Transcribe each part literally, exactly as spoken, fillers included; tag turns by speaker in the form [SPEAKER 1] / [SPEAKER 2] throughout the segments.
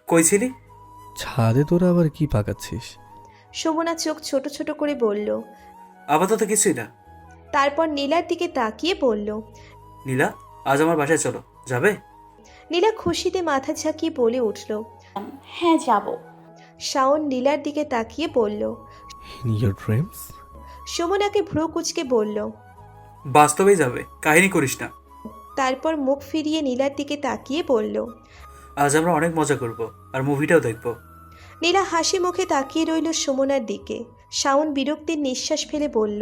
[SPEAKER 1] কই ছিলি?
[SPEAKER 2] ছাদে তোরা আবার কি পাকাচ্ছিস?
[SPEAKER 3] সুমনা চোখ ছোট ছোট করে বলল।
[SPEAKER 1] আপাতত কিছুই না।
[SPEAKER 3] তারপর নীলার দিকে তাকিয়ে বলল।
[SPEAKER 1] নীলা, আজ আমার বাসায় চলো, যাবে?
[SPEAKER 3] নীলা খুশিতে মাথা ঝাঁকিয়ে বলে উঠল।
[SPEAKER 4] হ্যাঁ যাব।
[SPEAKER 3] শাওন নীলার দিকে তাকিয়ে বলল।
[SPEAKER 2] In your dreams?
[SPEAKER 3] সুমনাকে ভ্রু কুচকে বলল।
[SPEAKER 1] বাস্তবেই যাবে, কাহিনী করিস না।
[SPEAKER 3] তারপর মুখ ফিরিয়ে নীলার দিকে তাকিয়ে বলল।
[SPEAKER 1] আজ আমরা অনেক মজা করব, আর মুভিটাও দেখব।
[SPEAKER 3] নীলা হাসি মুখে তাকিয়ে রইল সুমনার দিকে। শাওন বিরক্তির নিঃশ্বাস ফেলে বলল।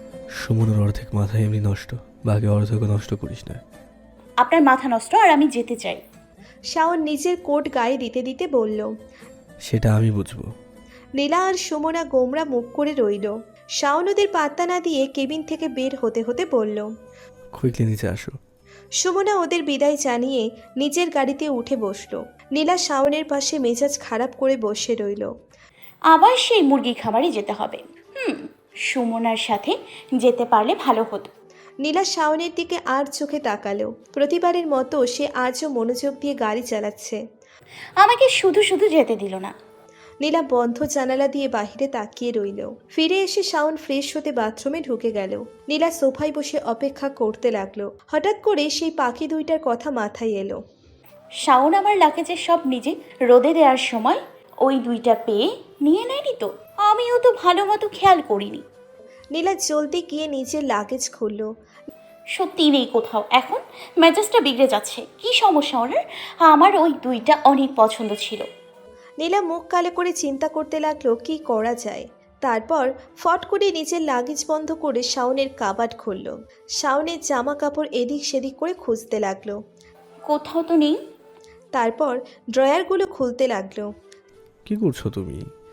[SPEAKER 2] সুমনের অর্ধেক মাথা এমনি নষ্ট, বাকি অর্ধেকও নষ্ট করিস না।
[SPEAKER 4] আপনার মাথা নষ্ট আর আমি যেতে চাই।
[SPEAKER 3] শাওন নিজের কোট গায়ে দিতে দিতে বলল।
[SPEAKER 2] সেটা আমি বুঝবো।
[SPEAKER 3] নীলা আর সুমনা গোমরা মুখ করে রইল। শাওন ওদের পাত্তা না দিয়ে কেবিন থেকে বের হতে হতে বলল।
[SPEAKER 2] কুইকলি নিচে আসো।
[SPEAKER 3] সুমনা ওদের বিদায় জানিয়ে নিজের গাড়িতে উঠে বসল। নীলা শাওনের পাশে মেজাজ খারাপ করে বসে রইল।
[SPEAKER 4] আবার সেই মুরগি খামারে যেতে হবে। হুম সুমনার সাথে যেতে পারলে ভালো হতো।
[SPEAKER 3] নীলা শাওনের দিকে আর চোখে তাকালো। প্রতিবারের মতো সে আজও মনোযোগ দিয়ে গাড়ি চালাচ্ছে।
[SPEAKER 4] আমাকে শুধু শুধু যেতে দিল না।
[SPEAKER 3] নীলা বন্ধ জানালা দিয়ে বাহিরে তাকিয়ে রইল। ফিরে এসে শাওন ফ্রেশ হতে বাথরুমে ঢুকে গেল। নীলা সোফায় বসে অপেক্ষা করতে লাগলো। হঠাৎ করে সেই পাখি দুইটার কথা মাথায় এলো।
[SPEAKER 4] শাওন আমার লাগেজে সব নিজে রোদে দেওয়ার সময় ওই দুইটা পেয়ে নিয়ে নেয়নি তো? আমিও তো ভালো মতো খেয়াল করিনি।
[SPEAKER 3] নীলা জলদি গিয়ে নিজের লাগেজ খুলল।
[SPEAKER 4] সত্যি নেই কোথাও। এখন মেজাজটা বিগড়ে যাচ্ছে। কি সমস্যা ওনার? আমার ওই দুইটা অনেক পছন্দ ছিল।
[SPEAKER 3] নীলা মুখ কালো করে চিন্তা করতে লাগলো কি করা যায়। তারপর ফট করে নিজের লাগেজ বন্ধ করে শাওনের কাবাড খুলল। শাওনের জামা কাপড় এদিক সেদিক করে খুঁজতে লাগলো।
[SPEAKER 4] কোথাও তো নেই।
[SPEAKER 3] তারপর ড্রয়ারগুলো খুলতে লাগলো।
[SPEAKER 2] কি করছো তুমি?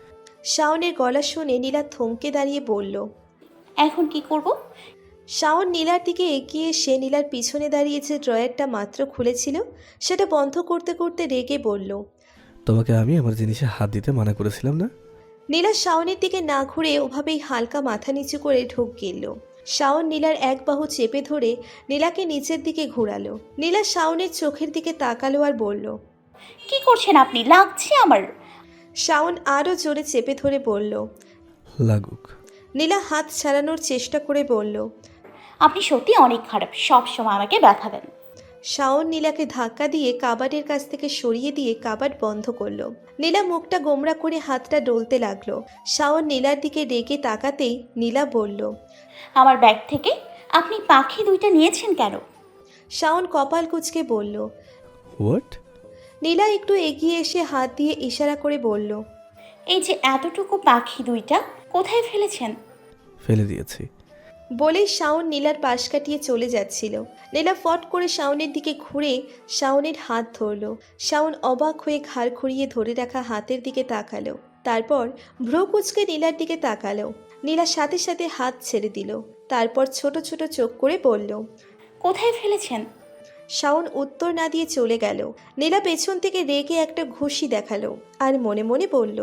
[SPEAKER 3] শাওনের গলা শুনে নীলা থমকে দাঁড়িয়ে বলল।
[SPEAKER 4] এখন কি করব?
[SPEAKER 3] শাওন নীলার দিকে এগিয়ে এসে নীলার পিছনে দাঁড়িয়ে যে ড্রয়ারটা মাত্র খুলেছিল সেটা বন্ধ করতে করতে রেগে বলল।
[SPEAKER 2] তোমাকে আমি আমার জিনিসে হাত দিতে মানা করেছিলাম না?
[SPEAKER 3] নীলা শাওনের দিকে না ঘুরে ওভাবেই হালকা মাথা নিচু করে ঢোক গেল। শাওন নীলার এক বাহু চেপে ধরে নীলাকে নিচের দিকে ঘোরালো। নীলা শাওনের চোখের দিকে তাকালো আর বলল।
[SPEAKER 4] কি করছেন আপনি? লাগছে আমার।
[SPEAKER 3] শাওন আরও জোরে চেপে ধরে বলল।
[SPEAKER 2] লাগুক।
[SPEAKER 3] নীলা হাত ছাড়ানোর চেষ্টা করে বলল।
[SPEAKER 4] আপনি সত্যি অনেক খারাপ, সব সময় আমাকে ব্যথা দেন।
[SPEAKER 3] শাওন নীলাকে ধাক্কা দিয়ে কাবাডের কাছ থেকে সরিয়ে দিয়ে কাবাড বন্ধ করলো। নীলা মুখটা গোমরা করে হাতটা ডলতে লাগলো। শাওন নীলার দিকে রেগে তাকাতেই নীলা বলল।
[SPEAKER 4] আমার ব্যাগ থেকে আপনি পাখি দুইটা নিয়েছেন কেন?
[SPEAKER 3] শাওন কপাল কুঁচকে বলল।
[SPEAKER 2] হোয়াট?
[SPEAKER 3] নীলা একটু এগিয়ে এসে হাত দিয়ে ইশারা করে বলল।
[SPEAKER 4] এই যে এতটুকু পাখি দুইটা কোথায় ফেলেছেন?
[SPEAKER 2] ফেলে দিয়েছি।
[SPEAKER 3] বলেই শাওন নীলার পাশ কাটিয়ে চলে যাচ্ছিল। নীলা ফট করে শাওনের দিকে ঘুরে শাওনের হাত ধরল। শাওন অবাক হয়ে ঘাড় ঘুরিয়ে ধরে রাখা হাতের দিকে তাকালো। তারপর ভ্রু কুচকে নীলার দিকে তাকালো। নীলা সাথে সাথে হাত ছেড়ে দিল। তারপর ছোট ছোট চোখ করে বলল।
[SPEAKER 4] কোথায় ফেলেছেন?
[SPEAKER 3] শাওন উত্তর না দিয়ে চলে গেল। নীলা পেছন থেকে রেগে একটা ঘুষি দেখালো আর মনে মনে বলল।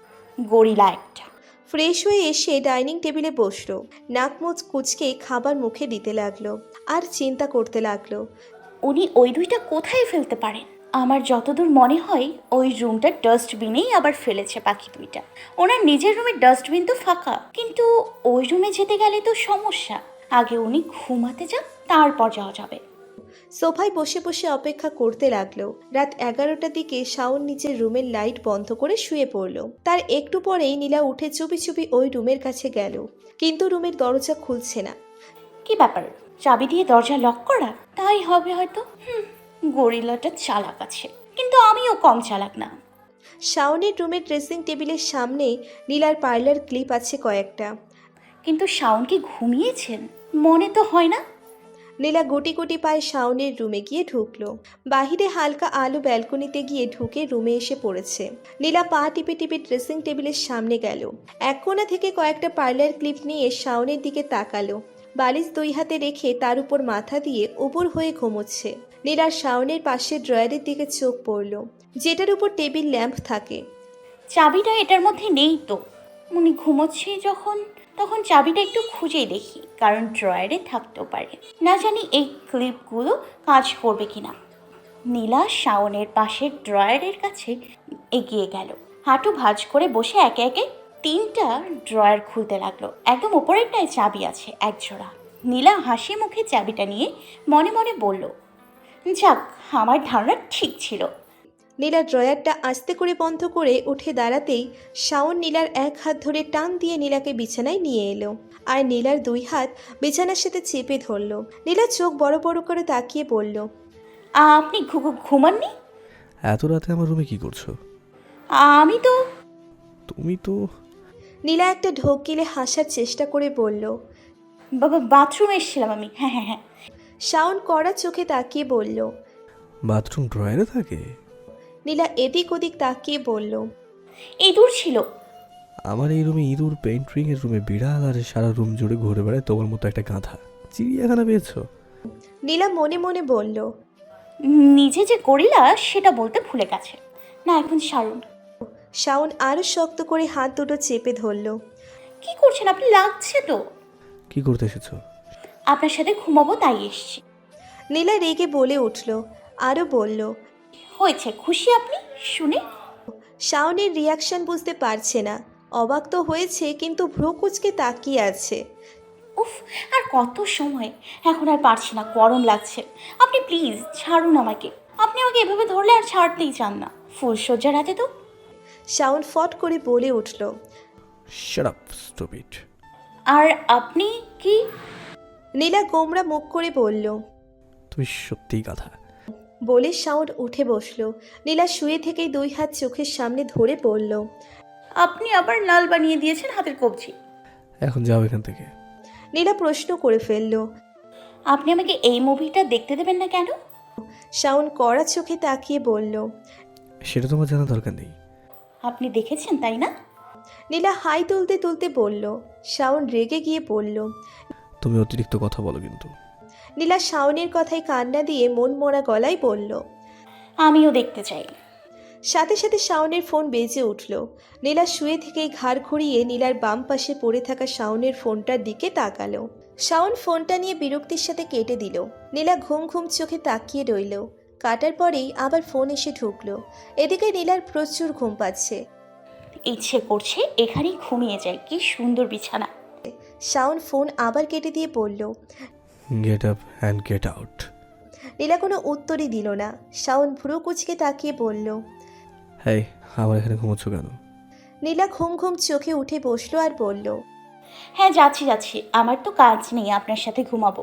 [SPEAKER 4] গরিলা একটা।
[SPEAKER 3] ফ্রেশ হয়ে এসে ডাইনিং টেবিলে বসলো। নাক মুখ কুচকে খাবার মুখে দিতে লাগলো আর চিন্তা করতে লাগলো।
[SPEAKER 4] উনি ওই দুইটা কোথায় ফেলতে পারেন? আমার যতদূর মনে হয় ওই রুমটা ডাস্টবিনেই আবার ফেলেছে পাখি দুইটা। ওনার নিজের রুমের ডাস্টবিন তো ফাঁকা, কিন্তু ওই রুমে যেতে গেলে তো সমস্যা। আগে উনি ঘুমাতে যান, তারপর যাওয়া যাবে।
[SPEAKER 3] সোফায় বসে বসে অপেক্ষা করতে লাগলো। রাত এগারোটার দিকে শাওন নিজের রুমের লাইট বন্ধ করে শুয়ে পড়লো। তার একটু পরেই নীলা উঠে চুপি চুপি ওই রুমের কাছে গেল, কিন্তু রুমের দরজা খুলছে না।
[SPEAKER 4] কি ব্যাপার? চাবি দিয়ে দরজা লক করা? তাই হবে হয়তো। হুম গরিলাটা চালাক আছে, কিন্তু আমিও কম চালাক না।
[SPEAKER 3] শাওনের রুমের ড্রেসিং টেবিলের সামনে নীলার পার্লার ক্লিপ আছে কয়েকটা।
[SPEAKER 4] কিন্তু শাওন কি ঘুমিয়েছেন? মনে তো হয় না।
[SPEAKER 3] নীলা গুটি গুটি পায়ে শাওনের রুমে গিয়ে ঢুকলো। বাহিরে হালকা আলো ব্যালকনিতে গিয়ে ঢুকে রুমে এসে পড়েছে। নীলা পা টিপে টিপে ড্রেসিং টেবিলের সামনে গেল। এক কোণা থেকে কয়েকটা পার্লার ক্লিপ নিয়ে শাওনের দিকে তাকালো। বালিশ দুই হাতে রেখে তার উপর মাথা দিয়ে উপর হয়ে ঘুমোচ্ছে। নীলার শাওনের পাশে ড্রয়ারের দিকে চোখ পড়ল, যেটার উপর টেবিল ল্যাম্প থাকে।
[SPEAKER 4] চাবিটা এটার মধ্যে নেই তো। উনি ঘুমোচ্ছে যখন, তখন চাবিটা একটু খুঁজেই দেখি, কারণ ড্রয়ারে থাকতেও পারে। না জানি এই ক্লিপগুলো কাজ করবে কিনা। নীলা শাওনের পাশের ড্রয়ারের কাছে এগিয়ে গেল, হাঁটু ভাঁজ করে বসে একে একে তিনটা ড্রয়ার খুলতে লাগলো। একদম ওপরেরটায় চাবি আছে এক জোড়া। নীলা হাসি মুখে চাবিটা নিয়ে মনে মনে বলল, যাক, আমার ধারণা ঠিক ছিল।
[SPEAKER 3] নীলা ড্রয়ারটা আস্তে করে বন্ধ করে উঠে দাঁড়াতেই শাওন নীলার এক হাত ধরে টান দিয়ে নীলাকে বিছানায় নিয়ে এলো, আর নীলার দুই হাত বিছানার সাথে চেপে ধরলো। নীলা চোখ বড় বড় করে তাকিয়ে বলল,
[SPEAKER 4] আপনি ঘু- ঘু- ঘুমাননি?
[SPEAKER 2] এত রাতে আমার রুমে কি করছো?
[SPEAKER 4] আমি তো
[SPEAKER 2] তুমি তো
[SPEAKER 3] নীলা একটা ঢোক গিলে হাসার চেষ্টা করে বলল।
[SPEAKER 4] বাবা বাথরুমে এসেছিলাম আমি। হ্যাঁ হ্যাঁ হ্যাঁ
[SPEAKER 3] শাওন কড়া চোখে তাকিয়ে বলল।
[SPEAKER 2] বাথরুম ড্রয়ারে থাকে?
[SPEAKER 3] নীলা এদিক ওদিক তাকিয়ে বলল,
[SPEAKER 4] ইঁদুর ছিল।
[SPEAKER 2] আমার এই রুমে ইঁদুর, পেন্ট্রিং এর রুমে বিড়াল, আর সারা রুম জুড়ে ঘুরে বেড়ায় তোমার মতো একটা গাধা। চিড়িয়াখানা পেয়েছো?
[SPEAKER 3] নীলা মনে মনে বলল।
[SPEAKER 4] নিজে যে গরিলা সেটা বলতে ভুলে গেছে। না এখন সারুন।
[SPEAKER 3] শাওন আরো শক্ত করে হাত দুটো চেপে ধরল।
[SPEAKER 4] কি করছেন আপনি? লাগছে তো।
[SPEAKER 2] কি করতে এসেছো?
[SPEAKER 4] আপনার সাথে ঘুমাবো তাই এসছি।
[SPEAKER 3] নীলা রেগে বলে উঠল, আরও বলল।
[SPEAKER 4] হয়েছে খুশি আপনি শুনে?
[SPEAKER 3] শাওনের রিয়াকশন বুঝতে পারছে না, অবাক তো হয়েছে কিন্তু ভ্রু কুচকে তাকিয়ে আছে।
[SPEAKER 4] উফ, আর কত সময়, এখন আর পারছি না, গরম লাগছে। আপনি প্লিজ ছাড়ুন আমাকে। আপনি আমাকে এভাবে ধরলে আর ছাড়তেই চান না। ফুলসজ্জার রাতে তো।
[SPEAKER 3] শাওন ফট করে বলে উঠল।
[SPEAKER 2] Shut up stupid.
[SPEAKER 4] আর আপনি কি?
[SPEAKER 3] নীলা গোমরা মুখ করে বলল।
[SPEAKER 2] তুমি সত্যিই গাধা।
[SPEAKER 3] বলে শাওন উঠে বসলো। নীলা শুয়ে থেকেই দুই হাত চোখের সামনে ধরে বলল।
[SPEAKER 4] আপনি আবার লাল বানিয়ে দিয়েছেন হাতের কবজি।
[SPEAKER 2] এখন যাও এখান থেকে।
[SPEAKER 3] নীলা প্রশ্ন করে ফেলল।
[SPEAKER 4] আপনি আমাকে এই মুভিটা দেখতে দেবেন না কেন?
[SPEAKER 3] শাওন কড়া চোখে তাকিয়ে বলল।
[SPEAKER 2] সেটা তোমার জানা দরকার নেই।
[SPEAKER 4] আপনি দেখেছেন তাই না?
[SPEAKER 3] নীলা হাই তুলতে তুলতে বলল। শাওন রেগে গিয়ে বলল।
[SPEAKER 2] তুমি অতিরিক্ত কথা বলো কিন্তু।
[SPEAKER 3] নীলা শাওনের কথায় কান্না দিয়ে মন মরা গলায় বলল।
[SPEAKER 4] আমিও দেখতে চাই।
[SPEAKER 3] সাথে সাথে শাওনের ফোন বেজে উঠল। নীলা শুয়ে থেকেই ঘাড় ঘুরিয়ে নীলার বাম পাশে পড়ে থাকা শাওনের ফোনটার দিকে তাকালো। শাওন ফোনটা নিয়ে বিরক্তির সাথে কেটে দিল। নীলা ঘুম ঘুম চোখে তাকিয়ে রইল। কাটার পরেই আবার ফোন এসে ঢুকলো। এদিকে নীলার প্রচুর ঘুম পাচ্ছে।
[SPEAKER 4] ইচ্ছে করছে এখানেই ঘুমিয়ে যাই, কি সুন্দর বিছানা।
[SPEAKER 3] শাওন ফোন আবার কেটে দিয়ে বলল।
[SPEAKER 2] Get up and get out.
[SPEAKER 3] Neela কোনো উত্তরই দিল না। শাওন ভ্রু কুচকে তাকিয়ে বলল।
[SPEAKER 2] হ্যাঁ, আমার এখানে ঘুমোচ্ছ কেন?
[SPEAKER 3] নীলা ঘুম ঘুম চোখে উঠে বসলো আর বলল।
[SPEAKER 4] হ্যাঁ যাচ্ছি যাচ্ছি, আমার তো কাজ নেই, আপনার সাথে ঘুমাবো।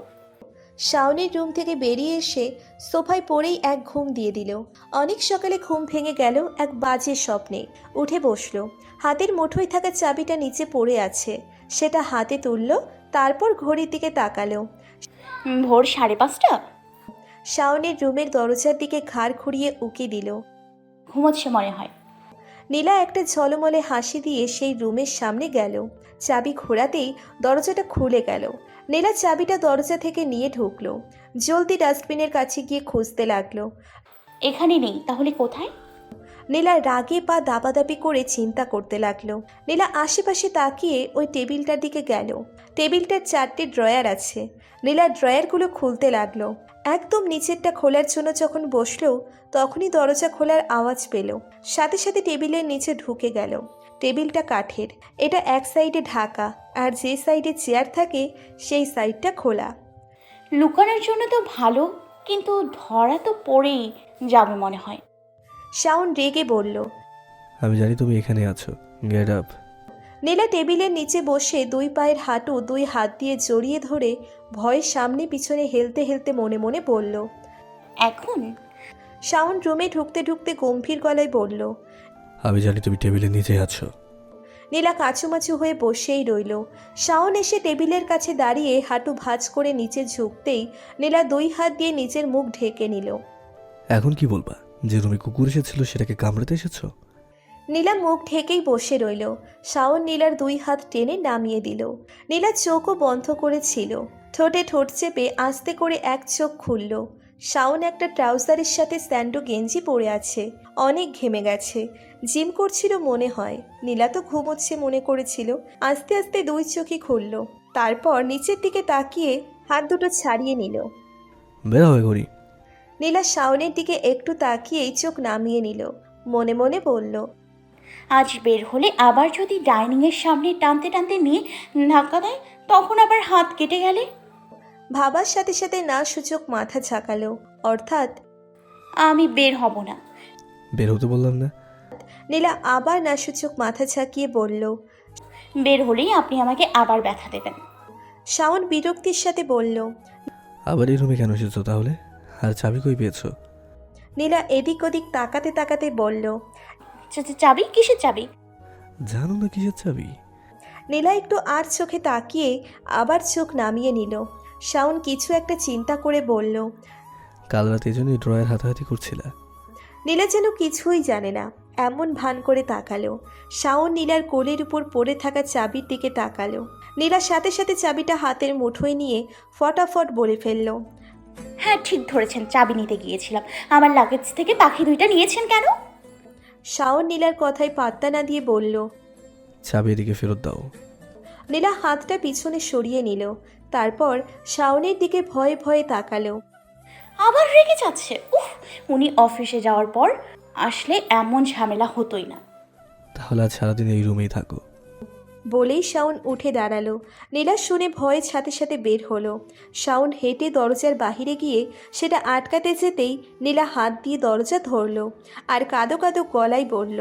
[SPEAKER 3] শাওনের রুম থেকে বেরিয়ে এসে সোফায় পড়েই এক ঘুম দিয়ে দিল। অনেক সকালে ঘুম ভেঙে গেল এক বাজে স্বপ্নে। উঠে বসলো। হাতের মুঠোয় থাকা চাবিটা নিচে পড়ে আছে, সেটা হাতে তুলল। তারপর ঘড়ির দিকে তাকালো।
[SPEAKER 4] উম, ভোর সাড়ে পাঁচটা।
[SPEAKER 3] শাওনের রুমের দরজার দিকে ঘাড় ঘুরিয়ে উকি দিল।
[SPEAKER 4] ঘুমোচ্ছে মনে হয়।
[SPEAKER 3] নীলা একটা ঝলমলে হাসি দিয়ে সেই রুমের সামনে গেল। চাবি ঘোরাতেই দরজাটা খুলে গেল। নীলা চাবিটা দরজা থেকে নিয়ে ঢুকলো। জলদি ডাস্টবিনের কাছে গিয়ে খুঁজতে লাগলো।
[SPEAKER 4] এখানে নেই, তাহলে কোথায়?
[SPEAKER 3] নীলা রাগে পা দাপাদাপি করে চিন্তা করতে লাগলো। নীলা আশেপাশে তাকিয়ে ওই টেবিলটার দিকে গেল। টেবিলটার চারটে ড্রয়ার আছে। নীলা ড্রয়ারগুলো খুলতে লাগলো। একদম নিচেরটা খোলার জন্য যখন বসলো তখনই দরজা খোলার আওয়াজ পেল। সাথে সাথে টেবিলের নিচে ঢুকে গেল। টেবিলটা কাঠের, এটা এক সাইডে ঢাকা, আর যে সাইডে চেয়ার থাকে সেই সাইডটা খোলা।
[SPEAKER 4] লুকানোর জন্য তো ভালো, কিন্তু ধরা তো পড়েই যাবে মনে হয়।
[SPEAKER 3] শাওন রেগে বলল।
[SPEAKER 2] আমি জানি তুমি এখানে আছো। Get up.
[SPEAKER 3] নীলা টেবিলের নিচে বসে দুই পায়ের হাঁটু দুই হাত দিয়ে জড়িয়ে ধরে ভয়ের সামনে পিছনে হেলতে হেলতে মনে মনে বলল।
[SPEAKER 4] এখন
[SPEAKER 3] শাওন রুমে ঢুকতে ঢুকতে গম্ভীর গলায় বলল।
[SPEAKER 2] আমি জানি তুমি টেবিলের নিচে আছো।
[SPEAKER 3] নীলা কাছুমাছু হয়ে বসেই রইল। শাওন এসে টেবিলের কাছে দাঁড়িয়ে হাঁটু ভাঁজ করে নিচে ঝুঁকতেই নীলা দুই হাত দিয়ে নিচের মুখ ঢেকে নিল।
[SPEAKER 2] এখন কি বলবা? যে রুমে কুকুর এসেছিল সেটাকে কামড়াতে এসেছো?
[SPEAKER 3] নীলা মুখ ঢেকেই বসে রইল। শাওন নীলার দুই হাত টেনে নামিয়ে দিল। নীলা চোখও বন্ধ করেছিল। ঠোঁটে ঠোঁট চেপে আস্তে করে এক চোখ খুলল। শাওন একটা ট্রাউজারের সাথে স্যান্ডো গেঞ্জি পরে আছে। অনেক ঘেমে গেছে, জিম করছিল মনে হয়। নীলা তো ঘুমোচ্ছে মনে করেছিল। আস্তে আস্তে দুই চোখই খুলল। তারপর নিচের দিকে তাকিয়ে হাত দুটো ছাড়িয়ে নিল।
[SPEAKER 2] বেরা হয়ে ঘড়ি।
[SPEAKER 3] নীলা শাওনের দিকে একটু তাকিয়েই চোখ নামিয়ে নিল। মনে মনে বলল।
[SPEAKER 4] আজ বের হলে আবার যদি ডাইনিংয়ের সামনে টানতে টানতে নিয়ে ধাক্কা দেয়, তখন আবার হাত কেটে গেলে?
[SPEAKER 3] ভাবার সাথে সাথে না সূচক মাথা ঝাঁকালো, অর্থাৎ
[SPEAKER 4] আমি বের হব না।
[SPEAKER 2] বের হতে বললাম না?
[SPEAKER 3] নীলা আবার না সূচক মাথা ঝাঁকিয়ে বলল।
[SPEAKER 4] বের হলেই আপনি আমাকে আবার ব্যথা দেবেন।
[SPEAKER 3] শাওন বিরক্তির সাথে বলল।
[SPEAKER 2] আবার এই রুমে কেন এসেছো তাহলে? আর চাবি কই পেয়েছো?
[SPEAKER 3] নীলা এদিক ওদিক তাকাতে তাকাতে বলল।
[SPEAKER 4] চা- চা- চাবি? কিসের চাবি?
[SPEAKER 2] জানো না কিসের চাবি?
[SPEAKER 3] নীলা একটু আর চোখে তাকিয়ে আবার চোখ নামিয়ে নিল। শাওন কিছু একটা চিন্তা করে বলল।
[SPEAKER 2] কাল রাতে এই জন্যই ড্রয়ের হাতাহাতি করছিলা?
[SPEAKER 3] নীলা যেন কিছুই জানে না এমন ভান করে তাকালো। শাওন নীলার কোলের উপর পড়ে থাকা চাবির দিকে তাকালো। নীলার সাথে সাথে চাবিটা হাতের মুঠোয় নিয়ে ফটাফট বলে ফেলল।
[SPEAKER 4] হ্যাঁ, ঠিক ধরেছেন, চাবি নিতে গিয়েছিলাম। আমার লাগেজ থেকে পাখি দুইটা নিয়েছেন কেন?
[SPEAKER 3] শাওন নীলার কথায় পাত্তা না দিয়ে বলল।
[SPEAKER 2] চাবি এদিকে ফেরত দাও।
[SPEAKER 3] নীলা হাতটা পিছনে সরিয়ে নিল। তারপর শাওনের দিকে ভয়ে ভয়ে তাকালো।
[SPEAKER 4] আবার রেগে যাচ্ছে। উফ, উনি অফিসে যাওয়ার পর আসলে এমন ঝামেলা হতোই না।
[SPEAKER 2] তাহলে আজ সারাদিন এই রুমেই থাকো।
[SPEAKER 3] বলেই শাওন উঠে দাঁড়ালো। নীলা শুনে ভয়ের সাথে সাথে বের হলো। শাওন হেঁটে দরজার বাহিরে গিয়ে সেটা আটকাতে যেতেই নীলা হাত দিয়ে দরজা ধরলো আর কাঁদো কাঁদো গলায় বলল।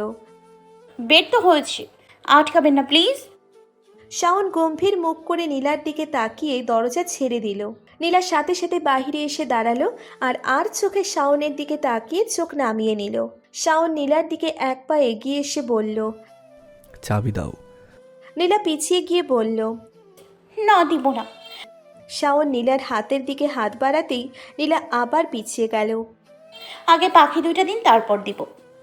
[SPEAKER 4] বের তো হয়েছে, আটকাবেন না প্লিজ।
[SPEAKER 3] শাওন গম্ভীর মুখ করে নীলার দিকে তাকিয়ে দরজা ছেড়ে দিল। নীলার সাথে সাথে বাহিরে এসে দাঁড়ালো আর আর চোখে শাওনের দিকে তাকিয়ে চোখ নামিয়ে নিল। শাওন নীলার দিকে এক পা এগিয়ে এসে বলল।
[SPEAKER 2] চাবি দাও।
[SPEAKER 3] নীলা পিছিয়ে গিয়ে বলল।
[SPEAKER 4] না, দিব না।
[SPEAKER 3] শাওন নীলার হাতের দিকে হাত বাড়াতেই নীলা আবার পিছিয়ে গেল।
[SPEAKER 4] আগে পাখি দুইটা দিন, তারপর দিব।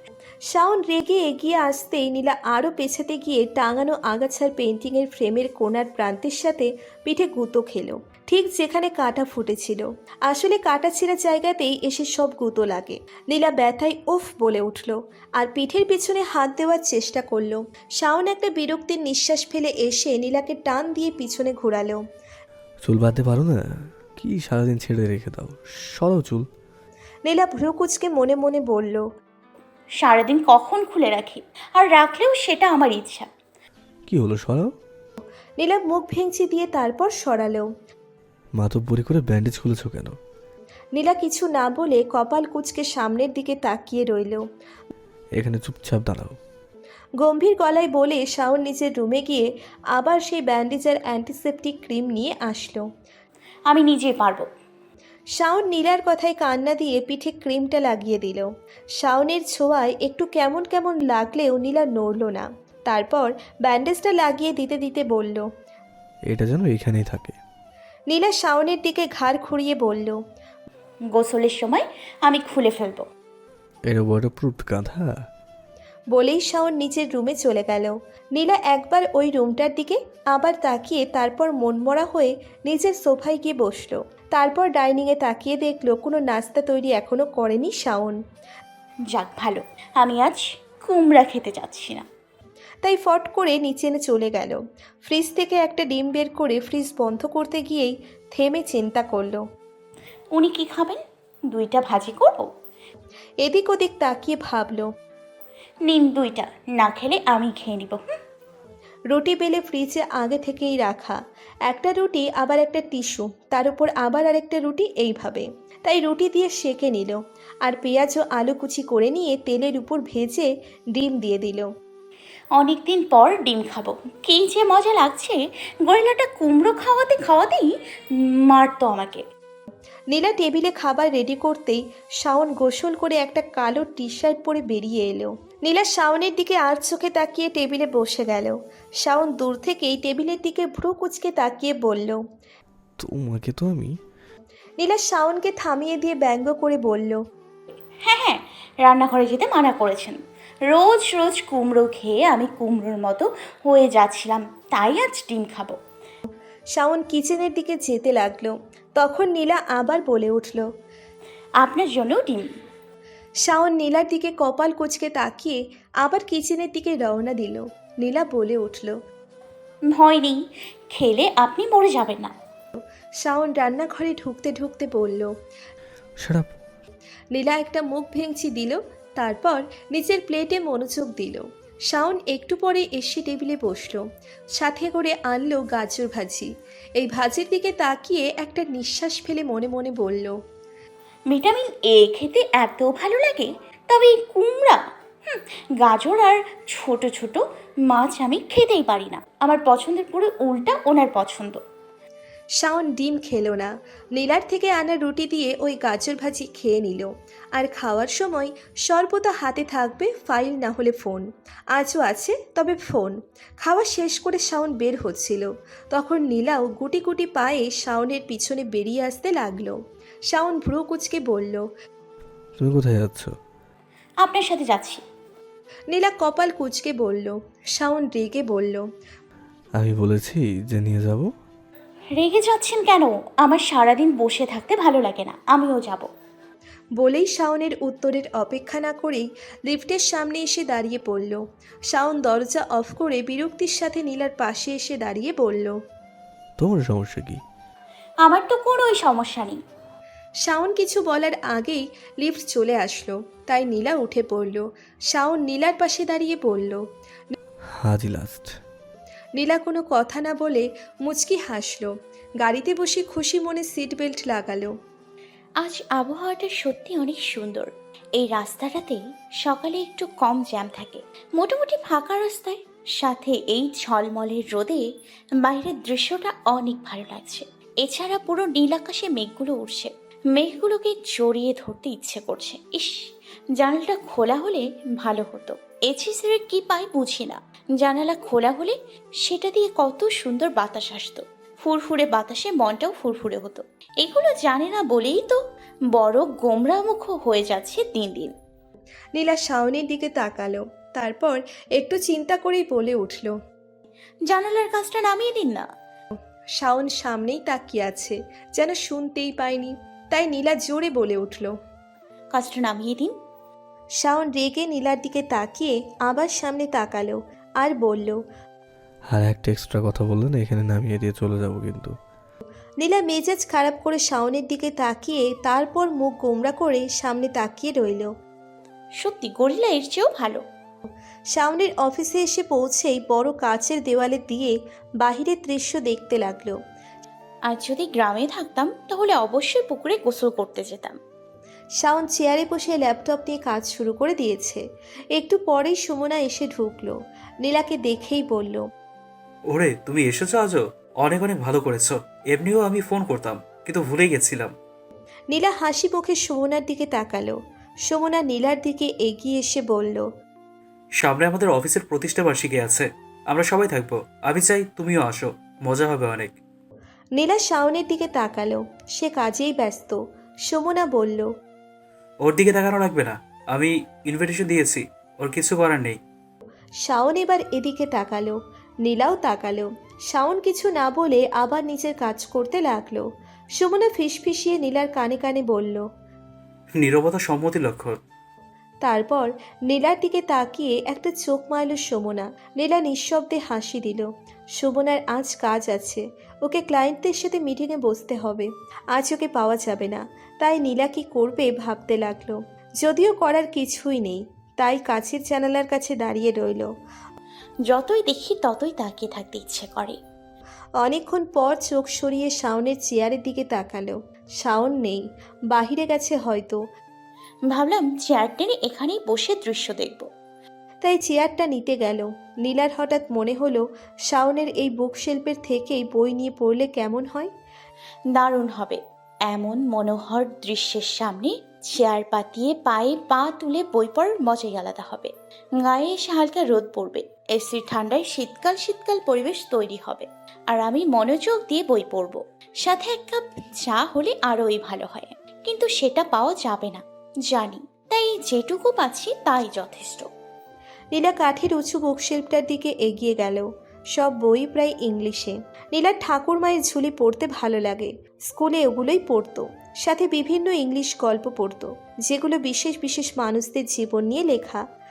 [SPEAKER 3] শাওন রেগে এগিয়ে আসতেই নীলা আরও পেছাতে গিয়ে টাঙানো আগাছার পেন্টিংয়ের ফ্রেমের কোণার প্রান্তের সাথে পিঠে গুঁতো খেলো, ঠিক যেখানে কাঁটা ফুটেছিল। আসলে কাঁটা ছেঁড়া জায়গাতেই এসে সব গুঁতো লাগে। নীলা ব্যথায় উফ বলে উঠল আর পিঠের পিছনে হাত দেওয়ার চেষ্টা করলো। শাওন একটা বিরক্তির নিঃশ্বাস ফেলে এসে নীলাকে টান দিয়ে পিছনে ঘোরালো।
[SPEAKER 2] চুল বাঁধতে পারো না? কি সারাদিন ছেড়ে রেখে দাও, সরো চুল।
[SPEAKER 3] নীলা ভ্রু কুচকে মনে মনে বলল।
[SPEAKER 4] সারাদিন কখন খুলে রাখি, আর রাখলেও সেটা আমার ইচ্ছা।
[SPEAKER 2] কি হলো, সরাও।
[SPEAKER 3] নীলা মুখ ভেঙচি দিয়ে তারপর সরালো।
[SPEAKER 2] মাতব্বরি করে ব্যান্ডেজ খুলেছো কেন?
[SPEAKER 3] নীলা কিছু না বলে কপাল কুঁচকে সামনের দিকে তাকিয়ে রইল।
[SPEAKER 2] এখানে চুপচাপ দাঁড়াও।
[SPEAKER 3] গম্ভীর গলায় বলে শাওন নিজের রুমে গিয়ে আবার সেই ব্যান্ডেজ আর অ্যান্টিসেপটিক ক্রিম নিয়ে আসলো।
[SPEAKER 4] আমি নিজেই পারবো।
[SPEAKER 3] শাওন নীলার কথায় কান্না দিয়ে পিঠে ক্রিমটা লাগিয়ে দিল। শাওনের ছোঁয়ায় একটু কেমন কেমন লাগলেও নীলা নড়ল না। তারপর ব্যান্ডেজটা লাগিয়ে দিতে দিতে বলল।
[SPEAKER 2] এটা যেন এখানেই থাকে।
[SPEAKER 3] নীলা শাওনের দিকে ঘাড় খুঁড়িয়ে বলল।
[SPEAKER 4] গোসলের সময় আমি খুলে ফেলবো।
[SPEAKER 2] এটা ওয়াটারপ্রুফ গাধা।
[SPEAKER 3] বলেই শাওন নিচের রুমে চলে গেল। নীলা একবার ওই রুমটার দিকে আবার তাকিয়ে তারপর মনমরা হয়ে নিজের সোফায় গিয়ে বসলো। তারপর ডাইনিংয়ে তাকিয়ে দেখলো কোনো নাস্তা তৈরি এখনো করেনি শাওন।
[SPEAKER 4] যাক ভালো, আমি আজ কুমড়া খেতে যাচ্ছি না।
[SPEAKER 3] তাই ফট করে নিচে এনে চলে গেল। ফ্রিজ থেকে একটা ডিম বের করে ফ্রিজ বন্ধ করতে গিয়েই থেমে চিন্তা করলো।
[SPEAKER 4] উনি কি খাবেন? দুইটা ভাজি করব।
[SPEAKER 3] এদিক ওদিক তাকিয়ে ভাবলো।
[SPEAKER 4] নিন দুইটা, না খেলে আমি খেয়ে নিব।
[SPEAKER 3] রুটি বেলে ফ্রিজে আগে থেকেই রাখা, একটা রুটি আবার একটা টিস্যু, তার উপর আবার আরেকটা রুটি, এইভাবে। তাই রুটি দিয়ে সেঁকে নিল আর পেঁয়াজ ও আলু কুচি করে নিয়ে তেলের উপর ভেজে ডিম দিয়ে দিল।
[SPEAKER 4] অনেকদিন পর ডিম খাবো, কী যে মজা লাগছে। গরিলাটা কুমড়ো খাওয়াতে খাওয়াতেই মারতো আমাকে।
[SPEAKER 3] নীলা টেবিলে খাবার রেডি করতেই শাওন গোসল করে একটা কালো টি শার্ট পরে বেরিয়ে এলো। নীলা শাওনের দিকে আর চোখে তাকিয়ে টেবিলে বসে গেল। শাওন দূর থেকেই টেবিলের দিকে ভ্রু কুচকে তাকিয়ে বলল।
[SPEAKER 2] তোমাকে তো আমি।
[SPEAKER 3] নীলা শাওনকে থামিয়ে দিয়ে ব্যঙ্গ করে বলল।
[SPEAKER 4] হ্যাঁ হ্যাঁ, রান্নাঘরে যেতে মানা করেছেন। রোজ রোজ কুমড়ো খেয়ে আমি কুমড়োর মতো হয়ে যাচ্ছিলাম, তাই আজ ডিম খাবো।
[SPEAKER 3] শাওন কিচেনের দিকে যেতে লাগলো। তখন নীলা আবার বলে উঠল।
[SPEAKER 4] আপনার জন্যও ডিম।
[SPEAKER 3] শাওন নীলার দিকে কপাল কুঁচকে তাকিয়ে আবার কিচেনের দিকে রওনা দিল। নীলা বলে উঠল।
[SPEAKER 4] ভয় নেই, খেলে আপনি মরে যাবেন না।
[SPEAKER 3] শাওন রান্নাঘরে ঢুকতে ঢুকতে বলল।
[SPEAKER 2] Shut up.
[SPEAKER 3] নীলা একটা মুখ ভেঙচি দিল, তারপর নিজের প্লেটে মনোযোগ দিল। শাওন একটু পরে এসে টেবিলে বসলো, সাথে করে আনলো গাজর ভাজি। এই ভাজির দিকে তাকিয়ে একটা নিঃশ্বাস ফেলে মনে মনে বলল,
[SPEAKER 4] ভিটামিন এ খেতে এত ভালো লাগে, তবে এই কুমড়া, হুম, গাজর আর ছোট ছোট মাছ আমি খেতেই পারি না। আমার পছন্দের পুরো উল্টা ওনার পছন্দ।
[SPEAKER 3] শাওন ডিম খেলো না, নীলার থেকে আনা রুটি দিয়ে ওই গাজর ভাজি খেয়ে নিল। আর খাওয়ার সময় সর্বদা হাতে থাকবে ফাইল না হলে ফোন। আজও আছে, তবে ফোন। খাওয়া শেষ করে শাওন বের হচ্ছিল, তখন নীলাও গুটি গুটি পায়ে শাওনের পিছনে বেরিয়ে আসতে লাগলো। শাওন ভ্রু কুচকে বলল,
[SPEAKER 2] তুমি কোথায় যাচ্ছ?
[SPEAKER 4] আপনার সাথে যাচ্ছি।
[SPEAKER 3] নীলা কপাল কুচকে বলল। শাওন রেগে বলল,
[SPEAKER 2] আমি বলেছি যে নিয়ে যাব।
[SPEAKER 4] রেগে যাচ্ছেন কেন? আমার সারাদিন বসে থাকতে ভালো লাগে না, আমিও যাব।
[SPEAKER 3] বলেই শাওনের উত্তরের অপেক্ষা না করেই লিফটের সামনে এসে দাঁড়িয়ে পড়ল। শাওন দরজা অফ করে বিরক্তির সাথে নীলার পাশে এসে দাঁড়িয়ে বলল,
[SPEAKER 2] তোমার সমস্যা কি?
[SPEAKER 4] আমার তো কোনোই সমস্যা নেই।
[SPEAKER 3] শাওন কিছু বলার আগেই লিফট চলে আসলো, তাই নীলা উঠে পড়ল। শাওন নীলার পাশে দাঁড়িয়ে বলল।
[SPEAKER 2] আজই লাস্ট।
[SPEAKER 3] নীলা কোনো কথা না বলে মুচকি হাসলো। গাড়িতে বসে খুশি মনে সিট বেল্ট লাগালো।
[SPEAKER 4] আজ আবহাওয়াটা সত্যি অনেক সুন্দর। এই রাস্তাটাতে সকালে একটু কম জ্যাম থাকে, মোটামুটি ফাঁকা রাস্তায়, সাথে এই ঝলমলের রোদে বাইরের দৃশ্যটা অনেক ভালো লাগছে। এছাড়া পুরো নীল আকাশে মেঘগুলো উঠছে, মেঘগুলোকে জড়িয়ে ধরতে ইচ্ছে করছে। ইস, জানালাটা খোলা হলে ভালো হতো। এসিসির কি পাই বুঝি না, জানালা খোলা হলে সেটা দিয়ে কত সুন্দর বাতাস আসতো, ফুরফুরে বাতাসে মনটাও ফুরফুরে হতো। এগুলো জানে না বলেই তো বড় গোমরামুখ হয়ে যাচ্ছে দিন দিন।
[SPEAKER 3] নীলা শাওনের দিকে তাকালো, তারপর একটু চিন্তা করেই বলে উঠল,
[SPEAKER 4] জানালার কাজটা নামিয়ে দিন না।
[SPEAKER 3] শাওন সামনেই তাকিয়ে আছে, যেন শুনতেই পায়নি, তাই নীলা জোরে বলে উঠল।
[SPEAKER 4] কাজটা নামিয়ে দিন।
[SPEAKER 3] শাওন রেগে নীলার দিকে তাকিয়ে আবার সামনে তাকালো আর বলল,
[SPEAKER 2] আর একটা এক্সট্রা কথা বললে না, এখানে নামিয়ে দিয়ে চলে যাব কিন্তু।
[SPEAKER 3] নীলা মেজাজ খারাপ করে শাওনের দিকে তাকিয়ে তারপর মুখ গোমরা করে সামনে তাকিয়ে রইল।
[SPEAKER 4] সত্যি গরিলা এর চেয়েও ভালো।
[SPEAKER 3] শাওনের অফিসে এসে পৌঁছেই বড় কাচের দেওয়ালে দিয়ে বাহিরের দৃশ্য দেখতে লাগলো।
[SPEAKER 4] আর যদি গ্রামে থাকতাম তাহলে অবশ্যই পুকুরে গোসল করতে যেতাম।
[SPEAKER 3] শাওন চেয়ারে বসে ল্যাপটপ নিয়ে কাজ শুরু করে দিয়েছে। একটু পরেই সুমনা এসে ঢুকলো। নীলাকে দেখেই বলল,
[SPEAKER 1] ওরে, তুমি এসেছো আজও? অনেক অনেক ভালো করেছো। এমনিও আমি ফোন করতাম, কিন্তু ভুলে গেছিলাম।
[SPEAKER 3] নীলা হাসি মুখে সুমনার দিকে তাকালো। সুমনা নীলার দিকে এগিয়ে এসে বলল,
[SPEAKER 1] সামনে আমাদের অফিসের প্রতিষ্ঠা বার্ষিকী আছে, আমরা সবাই থাকবো। আমি চাই তুমিও আসো, মজা হবে অনেক।
[SPEAKER 3] নীলা শাওনের দিকে তাকালো, সে কাজেই ব্যস্ত। সুমনা বলল,
[SPEAKER 1] ওর দিকে তাকানো লাগবে না, আমি ইনভিটেশন দিয়েছি, ওর কিছু করার নেই।
[SPEAKER 3] শাওন এবার এদিকে তাকালো, নীলাও তাকালো। শাওন কিছু না বলে আবার নিজের কাজ করতে লাগলো। সুমনা ফিসফিসিয়ে নীলার কানে কানে বলল।
[SPEAKER 1] নীরবতা সম্মতি লক্ষণ।
[SPEAKER 3] তারপর নীলার দিকে তাকিয়ে একটা চোখ মারল সুমনা। নীলা নিঃশব্দে হাসি দিল। সুমনার আজ কাজ আছে, ওকে ক্লায়েন্টদের সাথে মিটিংয়ে বসতে হবে। আজ ওকে পাওয়া যাবে না, তাই নীলা কি করবে ভাবতে লাগলো। যদিও করার কিছুই নেই, তাই কাছের জানালার কাছে দাঁড়িয়ে রইল।
[SPEAKER 4] যতই দেখি ততই তাকিয়ে থাকতে ইচ্ছে করে।
[SPEAKER 3] অনেকক্ষণ পর চোখ সরিয়ে শাওনের চেয়ারের দিকে তাকালো। শাওন নেই, বাহিরে গেছে হয়তো।
[SPEAKER 4] ভাবলাম চেয়ার টেনে এখানেই বসে দৃশ্য দেখব।
[SPEAKER 3] তাই চেয়ারটা নিতে গেল। নীলার হঠাৎ মনে হলো শাওনের এই বুকশেল্ফের থেকেই বই নিয়ে পড়লে কেমন হয়।
[SPEAKER 4] দারুণ হবে। এমন মনোহর দৃশ্যের সামনে চেয়ার পাতিয়ে পায়ে পা তুলে বই পড়ার মজাই আলাদা হবে। গায়ে এসে হালকা রোদ পড়বে, এসি ঠান্ডায় শীতকাল শীতকাল পরিবেশ তৈরি হবে, আর আমি মনোযোগ দিয়ে বই পড়ব। সাথে এক কাপ চা হলে আরোই ভালো হয়, কিন্তু সেটা পাওয়া যাবে না জানি, তাই যেটুকু পাচ্ছি তাই যথেষ্ট।
[SPEAKER 3] নীলা কাঠের উঁচু বুকশেল্ফটার দিকে এগিয়ে গেল। সব বই প্রায় ইংলিশে। নীলার ঠাকুর মায়ের ঝুলি পড়তে ভালো লাগে, স্কুলে ওগুলোই পড়তো। সাথে বিভিন্ন ইংলিশ গল্প পড়তো, যেগুলো বিশেষ বিশেষ মানুষদের জীবন নিয়ে লেখা।